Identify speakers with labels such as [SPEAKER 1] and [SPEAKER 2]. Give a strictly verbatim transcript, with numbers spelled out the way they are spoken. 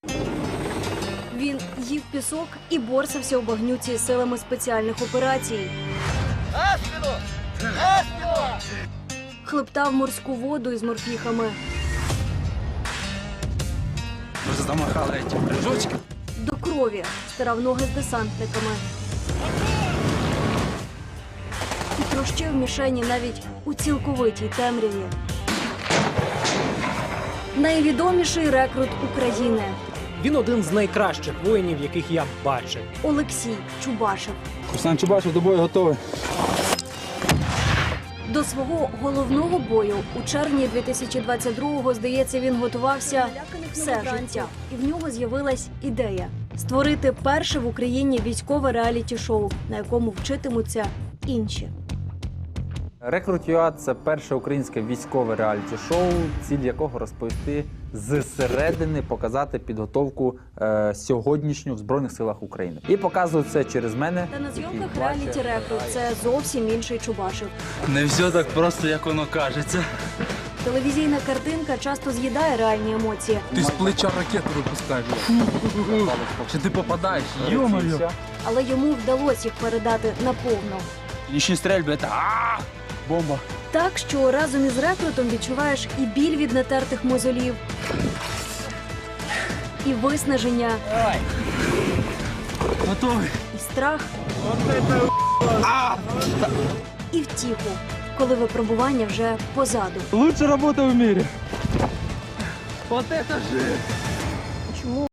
[SPEAKER 1] Він їв пісок і борсався у багнюці з силами спеціальних операцій. Хлептав морську воду із морпіхами.
[SPEAKER 2] Ви замахали ці прыжочки.
[SPEAKER 1] До крові стирав ноги з десантниками. І трощив мішені навіть у цілковитій темряві. Найвідоміший рекрут України
[SPEAKER 3] Він один з найкращих воїнів, яких я бачив.
[SPEAKER 1] Олексій Чубашев.
[SPEAKER 2] Руслан Чубашев до бою готовий.
[SPEAKER 1] До свого головного бою у червні дві тисячі двадцять другого, здається, він готувався все життя. І в нього з'явилась ідея – створити перше в Україні військове реаліті-шоу, на якому вчитимуться інші.
[SPEAKER 4] Рекрут.ua – це перше українське військове реаліті-шоу, ціль якого розповісти зсередини, показати підготовку е, сьогоднішню в Збройних силах України. І показують це через мене.
[SPEAKER 1] Та на
[SPEAKER 4] який
[SPEAKER 1] зйомках
[SPEAKER 4] плаче.
[SPEAKER 1] реаліті рекрут це зовсім інший Чубашев.
[SPEAKER 2] Не все так просто, як воно кажеться.
[SPEAKER 1] Телевізійна картинка часто з'їдає реальні емоції.
[SPEAKER 2] Ти з плеча ракету випускаєш. Чи ти попадаєш? Йо-моє.
[SPEAKER 1] Але йому вдалося їх передати наповну.
[SPEAKER 2] Нічні стрельби, це а бомба.
[SPEAKER 1] Так, що разом із рекрутом відчуваєш і біль від натертих мозолів, і виснаження,
[SPEAKER 2] Готовий.
[SPEAKER 1] і страх, і втіху, коли випробування вже позаду.
[SPEAKER 2] Лучша робота в мірі. Вот это же.
[SPEAKER 1] Чому